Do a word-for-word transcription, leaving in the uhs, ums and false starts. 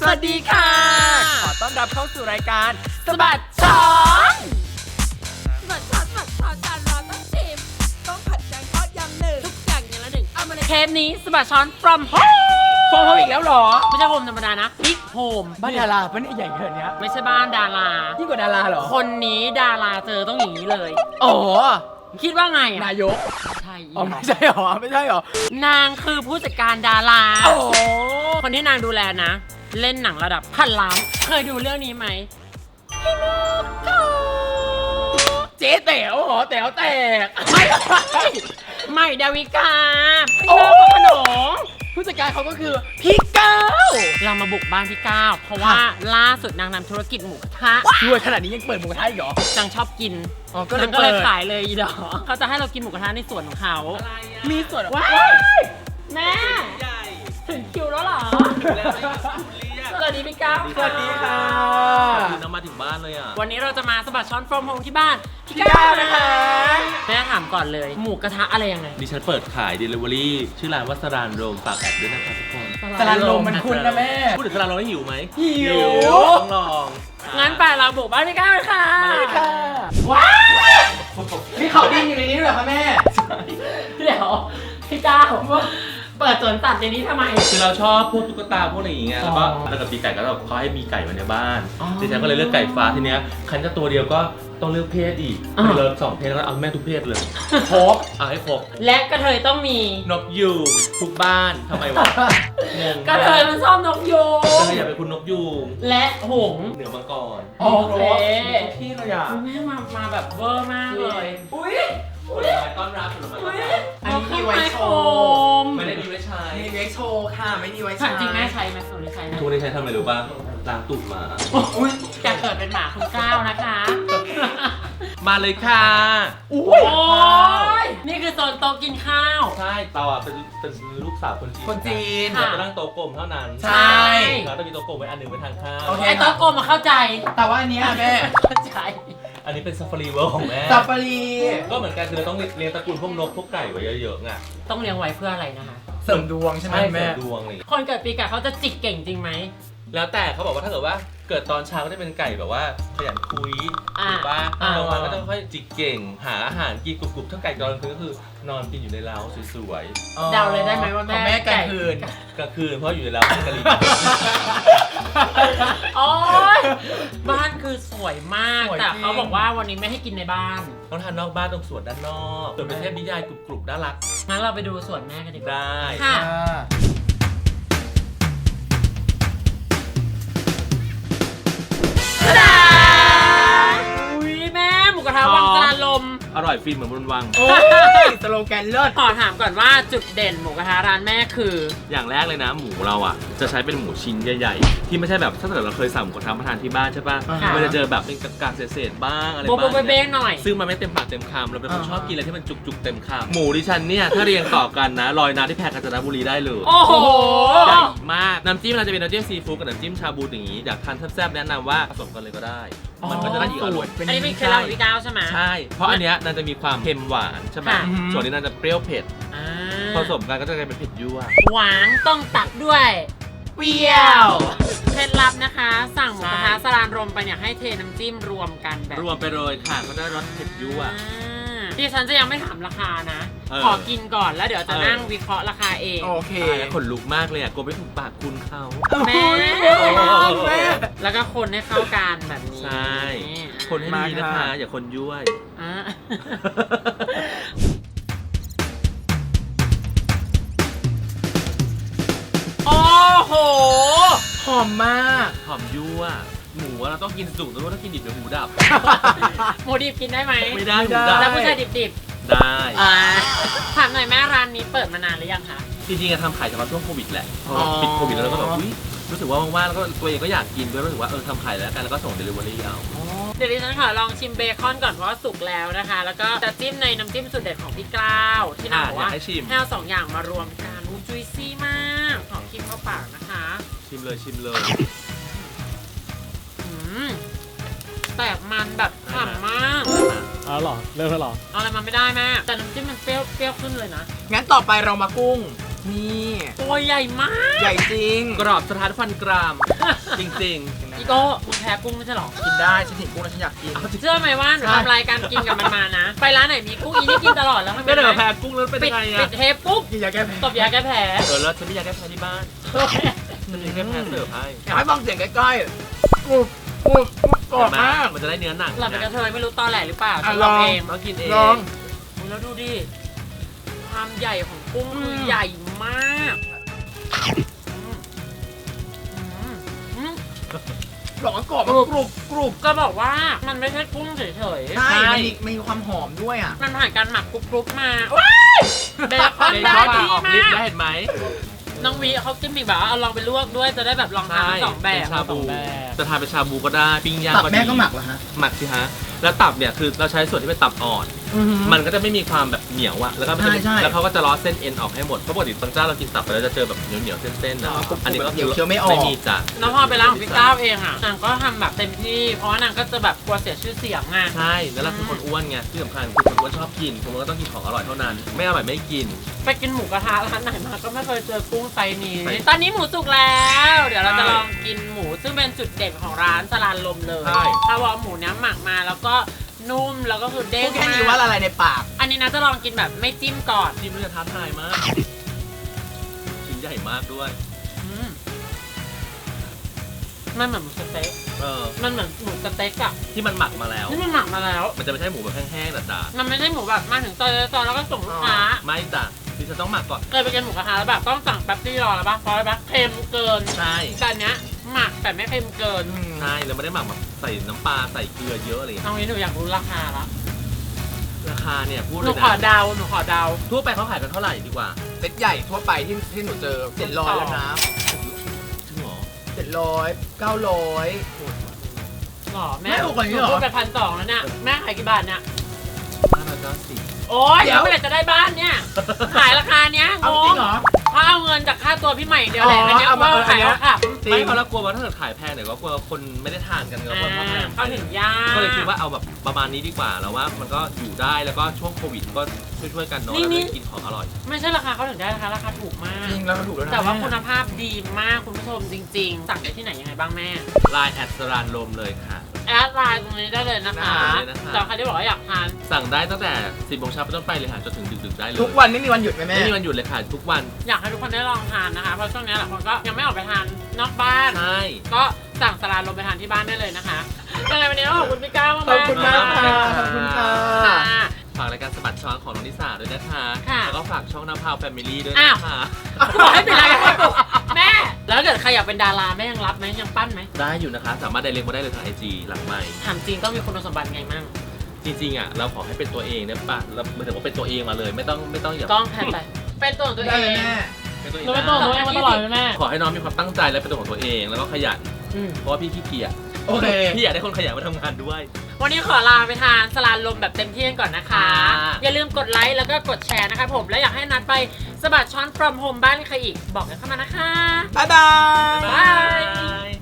สวัสดีค่ะขอต้อนรับเข้าสู่รายการสะบัดช้อนสะบัดช้อนสะบัดช้อนจานร้อนต้องชิมต้องผัดแกงทอดยำหนึ่งทุกอย่างอย่างละหนึ่งเอามาเลยเทปนี้สะบัดช้อน from home โฟมอีกแล้วหรอไม่ใช่โฮมธรรมดานะบิ๊กโฮมบ้านดาราปะเนี่ยใหญ่ขนาดเนี้ยไม่ใช่บ้านดารายิ่งกว่าดาราเหรอคนนี้ดาราเจอต้องอย่างนี้เลยอ๋อคิดว่าไงอ่ะนายกใช่อ๋อไม่ใช่หรอไม่ใช่หรอนางคือผู้จัดการดาราโอ้คนที่นางดูแลนะ เล่นหนังระดับพันล้านเคยดูเรื่องนี้ไหมเจ๊แต๋วเหรอแต๋วแตกไม่ใหม่ดาวิกาโอ้พี่น้องขนมผู้จัดการเขาก็คือพี่ก้าวเรามาบุกบ้านพี่ก้าวเพราะว่าล่าสุดนางนำธุรกิจหมูกระทะรวยขนาดนี้ยังเปิดหมูกระทะอีกเหรอนางชอบกินอ๋อก็เลยนางก็เลยเปิดขายเลยอีดอกเขาจะให้เรากินหมูกระทะในสวนของเขามีส่วนว้าย แม่ถึงคิวแล้วเหรอสวัสดีพี่ก้าวสวัสดีค่ะคุณน้ำมาถึงบ้านเลยอ่ะวันนี้เราจะมาสะบัดช้อน from home ที่บ้านพี่พี่ก้าวนะคะแม่ถามก่อนเลย หมูกระทะอะไรยังไงดิฉันเปิดขาย Delivery ชื่อร้านวัสรานโรมฝากแอดด้วยนะคะทุกคนสลัดลมมันคุ้นนะแม่พูดถึงสรานโรมแล้วหิวไหมหิวต้องลองงั้นไปเราบุกบ้านพี่ก้าวเลยค่ะมาเลยค่ะว้ายมีเขาดินอยู่ในนี้ด้วยเหรอคะแม่เดี๋ยวพี่ก้าวเปิดสวนสัตว์ในนี้ทำไมคือเราชอบพวกตุ๊กตาพวกอะไรอย่างเงี้ยแล้วก็อ๋อแล้วกับปีไก่ก็แบบเขาให้มีไก่ไว้ในบ้านอ๋อดิฉันก็เลยเลือกไก่ฟ้าทีเนี้ยคันจะตัวเดียวก็ต้องเลือกเพศอีกอ่าเลยสองเพศแล้วก็เอาแม่ทุกเพศเลยครบเอาให้ครบและกระเทยต้องมีนกยูงทุกบ้านทำไมวะงงกระเทยมันชอบนกยูงก็เลยอยากเป็นคุณนกยูงและหงส์เหนือมังกรโอโอเคที่เลยอ่ะแม่มามาแบบเวอร์มากเลย อุ้ยผลไม้ต้อนรับผลไม้ต้อนรับอันนี้มีไว้โชว์ไม่ได้มีไว้ใช้มีไว้โชว์ค่ะ ไม่มีไว้ถาใช้มจริงแม่ใช้ไหมส่วนนี้ใช้ไหมทุกวันนี้ใช้ทำอะไรรู้ป่ะล้างตูดหมาอุ้ยจะเกิดเป็นหมาคุณก้าวนะคะมาเลยค่ะอุ้โอ้ยยนี่คือโซนโต๊ะกินข้าวใช่เราอ่ะเป็นเป็นลูกสาวคนจีนคนจีนค่ะเราจะนั่งโต๊ะกลมเท่านั้นใช่เราต้องมีโต๊ะกลมไว้อันหนึ่งไว้ทานข้าวโอเคไอ้โต๊ะกลมมาเข้าใจแต่ว่าอันเนี้ยแม่เข้าใจอันนี้เป็นซาฟารีเวิร์ของแม่ซาฟารีก็เหมือนกันคือเราต้องเลี้ยงตระกูลพวกนกพวกไก่ไว้เยอะๆไงต้องเลี้ยงไว้เพื่ออะไรนะคะเสริมดวงใช่ไหมใช่แม่เสริมดวงอะไรอย่างเงี้ยคนเกิดปีกะเขาจะจิกเก่งจริงไหมแล้วแต่เขาบอกว่าถ้าเกิดว่าเกิดตอนเช้าก็จะเป็นไก่แบบว่าขยันคุยอ่าถูกป่ะอ่ากลางวันก็จะค่อยจิกเก่ง หาอาหารกินกรุบๆถ้าไก่ตอนกลางคืนก็คือนอนกินอยู่ในเล้าสวยเดาเลยได้ไหมว่าแม่ของแม่กลางคืนๆกลางคืนเพราะอยู่ในเล้าเป็นกะหรี่โอ๊ยบ้านคือสวยมากสวยแต่จริงเขาบอกว่าวันนี้ไม่ให้กินในบ้านต้องทานนอกบ้านตรงสวนด้านนอกส่วนเป็นเทพนิยายกรุบๆน่ารักงั้นเราไปดูสวนแม่กันดีกว่าได้ค่ะอ่าอุ้ยแม่หมูกระทะวังจานลมอร่อยฟินเหมือนบนวังโอ้ยสโลแกนเลิศขอถามก่อนว่าจุดเด่นหมูกระทะร้านแม่คืออย่างแรกเลยนะหมูเราอ่ะจะใช้เป็นหมูชิ้นใหญ่ๆที่ไม่ใช่แบบถ้าเกิดเราเคยสั่งหมูกระทะมาทานที่บ้านใช่ป่ะอ่าฮะมันจะเจอแบบเป็นกากๆเศษๆบ้างอะไรโบบ้างโบเบ้หน่อยซึ่งมันไม่เต็มปากเต็มคำเราเป็นคนอ่าฮะชอบกินอะไรที่มันจุกๆเต็มคำหมูดิฉันเนี่ยถ้าเรียงต่อกันนะลอยน้ำที่แพร่กาญจนบุรีได้เลยโอ้โหใหญ่มากน้ำจิ้มเราจะเป็นน้ำจิ้มซีฟู้ดกับน้ำจิ้มชาบูอย่างนี้อยากทานแซ่บๆแนะนำว่าผสมกันเลยก็ได้ มันก็จะได้อีกอร่อยอันนี้เป็นเคล็ดลับของพี่ก้าวใช่ไหมใช่ เพราะอันเนี้ยน่าจะมีความเค็มหวานใช่ไหมค่ะส่วนนี้น่าจะเปรี้ยวเผ็ดอ่าผสมกันก็จะกลายเป็นเผ็ดยั่วหวานต้องตัดด้วยเปรี้ยวเคล็ดลับนะคะ สั่งหมูกระทะใช่สลานรมไปเนี่ยให้เทน้ำจิ้มรวมกันแบบรวมไปเลยค่ะก็ได้รสเผ็ดยั่วอ่าดิฉันจะยังไม่ถามราคานะเออขอกินก่อนแล้วเดี๋ยวจะเออนั่งวิเคราะห์ราคาเองโอเคตายแล้วขนลุกมากเลยอ่ะกลัวไม่ถูกปากคุณเขาแม่แม่แล้วก็คนให้เข้ากันแบบนี้ใช่ คนให้ดีนะคะ อย่าคนยั่วอ่า โอ้โหหอมมากหอมยั่ว หมูอะเราต้องกินสุกแต่ว่าถ้ากินดิบเดี๋ยวหมูดับหมูดิบกินได้ไหมไม่ได้หไม่มูได้ดับแล้วผู้ชายดิบได้ๆอ่าถามหน่อยแม่ร้านนี้เปิดมานานหรือยังคะจริงๆอะทำขายเฉพาะช่วงโควิดแหละพออ๋อปิดโควิดแล้วเราก็แบบอุ๊ยรู้สึกว่าว่างๆแล้วก็ตัวเองก็อยากกินด้วยรู้สึกว่าเออทำขายแล้วกันแล้วก็ส่งเดลิเวอรี่เอาเดี๋ยวดิฉันขอลองชิมเบคอนก่อนเพราะว่าสุกแล้วนะคะ แล้วก็จะจิ้มในน้ำจิ้มสุดเด็ดของพี่กล้าวที่นางบอกอ่ะอยาว่ากให้ชิมให้เอาสองอย่างมารวมกันอู้จุยซี่มากขอกินเข้าปากนะคะชิมเลยชิมเลยอืมแตกมันแบบฉ่ำมากเอาเหรอ เริ่มแล้วเหรอเอาอะไรมาไม่ได้แม่แต่น้ำจิ้มมันเปรี้ยวเปรี้ยวขึ้นเลยนะงั้นต่อไปเรามากุ้งนี่ตัวใหญ่มากใหญ่จริงกรอบสถานฟันกราม จริงอีโก้มึงแพ้กุ้งไม่ใช่หรอกินได้ฉันเห็นกุ้งแล้วฉันอยากกินเชื่อไหมว่าหนูทำรายการกินกับมันมานะ ไปร้านไหนมีกุ้งอีนี่กินตลอดแล้วๆมันก็เดี๋ยวไงแพ้กุ้งแล้วเป็นปิดยังไงปิอะดเทปปุ๊บกินยาแก้แพ้ตบยาแก้แผลเออแล้วฉันไม่อยากแก้แพ้ที่บ้านฉันมีแก้แพ้เสิร์ฟให้อยากให้ฟังเสียงใกล้ๆกรุบกรุบกรุบกรอบมากมันจะได้เนื้อหนังเราเป็นกระเทยไม่รู้ตอแหลหรือเปล่าอ่ะฉันลองลองเองต้องกินเองลองอุ๊ยแล้วดูดิ ความใหญ่ของกุ้งอืมคือใหญ่มากอืมอืมอืมบอกว่ากรอบมันกรุบกรุบก็บอกว่ามันไม่ใช่กุ้งเฉยๆใช่มันมีมีความหอมด้วยอ่ะมันผ่านการหมักกรุบๆมาว้ายเบคอนเบได้คอนดีออกมาฤทธิ์กได้เห็นไหมน้องวีเขาจิ้มอีกแบบว่าเอาลองไปลวกด้วยจะได้แบบลองทำทั้งสองแบเป็บนชาบู จะทานเป็นชาบูก็ได้ ปิ้งย่างตับก็ดีแม่ก็หมักเหรอฮะหมักสิฮะ แล้วตับเนี่ยคือเราใช้ส่วนที่เป็นตับอ่อน มันก็จะไม่มีความแบบเหนียวอะแล้วก็มันจะใช่ใช่แล้วเขาก็จะล้อเส้นเอ็นออกให้หมด เพราะปกติบางเจ้าเรากินตับไปแล้วจะเจอแบบเหนียวเหนียวๆเส้นๆนะอ๋ออันนี้ก็เดี๋ยวเคี้ยวไม่ออกไม่มีจ้ะแล้วพอไปร้านของพี่ก้าวเองอ่ะนางก็ทำแบบเต็มที่ เพราะว่านางก็จะแบบกลัวเสียชื่อเสียงไงใช่ แล้วเราคือคนอ้วนไง ที่สำคัญคือคนอ้วนชอบกินคนอ้วนก็ต้องกินของอร่อยเท่านั้น ไม่อร่อยไม่กินไปกินหมูกระทะร้านไหนมาก็ไม่เคยเจอกุ้งไซส์นี้ใช่ตอนนี้หมูสุกแล้ว เดี๋ยวเราจะใช่ลองกินหมูซึ่งเป็นจุดเด่นของร้านสลานลมเลยใช่เพราะว่าหมูเนี้ยหมักมาแล้วก็นุ่มแล้วก็คือเด้พูงดแค่มานี้ว่าละลายในปากอันนี้นะจะลองกินแบบไม่จิ้มก่อนจิ้มแล้วจะท้าทายมากชิ้นใหญ่มากด้วยอืมมันเหมือนหมูสเต๊กเออมันเหมือนหมูสเต็กอะที่มันหมักมาแล้วนี่มันหมักมาแล้วมันจะไม่ใช่หมูแบบแห้งๆจ๋ามันไม่ใช่หมูแบบมาถึงซอยซอยแล้วก็ส่งลูกค้าๆไม่จ้ะที่จะต้องหมักก่อนเคยไปกินหมูกระทะแล้วแบบต้องสั่งแป๊บซี่รอแล้วป่ะเพราะอะไรป่ะเค็มเกินใช่แต่อันเนี้ยหมักแต่ไม่เค็มเกินใช่แล้วไม่ได้หมักแบบใส่น้ำปลาใส่เกลือเยอะอะไรอย่างเอาเงี้ยงี้หนูอยากรู้ราคาละราคาเนี่ยพูดหเลนูยขอนะเดาหนูขอเดาทั่วไปเขาขายกันเท่าไหร่ดีกว่าเซ็ตใหญ่ทั่วไปที่ที่หนูเจอเจ็ดร้อยแล้วนะจริงเหรอเจ็ดร้อยเก้าร้อยหรอแม่แม่ถูกกว่านี้เหรอพูดไปพันสองแล้วเนี่ยแม่ขายกี่บาทเนี่ยห้าร้อยเก้าสิบโอ๊ยเดี๋เดี๋ยยว วเมื่อไหร่จะได้บ้านเนี่ยขายราคาเนี้ยงเอาจริงงเหรอเพราะเอาเงินจากค่าตัวพี่ใหม่อย่างเดียวแหละอ๋ออันเนี้ยเอามาว่าเอออันขายเนี้ยแล้วค่ะจริงไม่เพราะเรากลัวว่าถ้าเกิดขายแพงเดี๋ยวก็กลัวคนไม่ได้ทานกันก็เพราะว่าแพงเข้าถึงยากก็เลยคิดว่าเอาแบบประมาณนี้ดีกว่าแล้วว่ามันก็อยู่ได้แล้วก็ช่วงโควิดก็ช่วยๆกันเนาะแล้วได้กินของอร่อยไม่ใช่ราคาเขาถึงได้นะคะราคาถูกมากจริงแล้วก็ถูกแล้วนะแต่ว่าคุณภาพดีมากคุณผู้ชมจริง ๆ สั่งได้ที่ไหนยังไงบ้างแม่ไลน์แอดสรานลมเลยค่ะแอดไลน์ตรงนี้ได้เลยนะคะได้เลยนะคะสำหรับใครที่บอกว่าอยากทานสั่งได้ตั้งแต่สิบโมงเช้าเป็นต้นไปเลยค่ะจนถึงดึกๆได้เลยทุกวันไม่มีวันหยุดไหมแม่ไม่มีวันหยุดเลยค่ะทุกวันอยากให้ทุกคนได้ลองทานนะคะ เพราะช่วงนี้หลายคนก็ยังไม่ออกไปทานนอกบ้านใช่ก็สั่งสลานลงไปทานที่บ้านได้เลยนะคะยังไงวันนี้ก็ขอบคุณพี่ก้าวมากๆขอบคุณมากค่ะขอบคุณค่ะค่ะฝากรายการสะบัดช้อนของน้องนิสาด้วยนะคะค่ะแล้วก็ฝากช่องน้ำพาวแฟมิลี่ด้วยอ้าวนะคะกูบอกให้ปิดรายการให้กูแม่ แล้วถ้าเกิดใครอยากเป็นดาราแม่ยังรับไหมยังปั้นไหมได้อยู่นะคะ สามารถไดเรกมาได้เลยทางไอจีหลังไมค์ถามจริงต้องมีคุณสมบัติไงมั่งจริงๆอ่ะเราขอให้เป็นตัวเองได้ปะเราหมายถึงว่าเป็นตัวเองมาเลย ไม่ต้องไม่ต้องอย่ากล้องแพนไปเป็นตัวของตัวได้เอเลยงแม่เป็นตัวเองเราเป็นตัวของตัวเองมาตลอดเลยแม่ขอให้น้องมีความตั้งใจและเป็นตัวของตัวเองแล้วก็ขยันอืมเพราะว่าพี่ขี้เกียจโอเคพี่อยากได้คนขยันมาทำงานด้วยวันนี้ขอลาไปทานสลานลมแบบเต็มที่กันก่อนนะคะค่ะอย่าลืมกดไลค์แล้วก็กดแชร์นะคะผม และอยากให้นัดไปสะบัดช้อน from home บ้านใครอีก บอกกันเข้ามานะคะบ๊ายบายบ๊ายบาย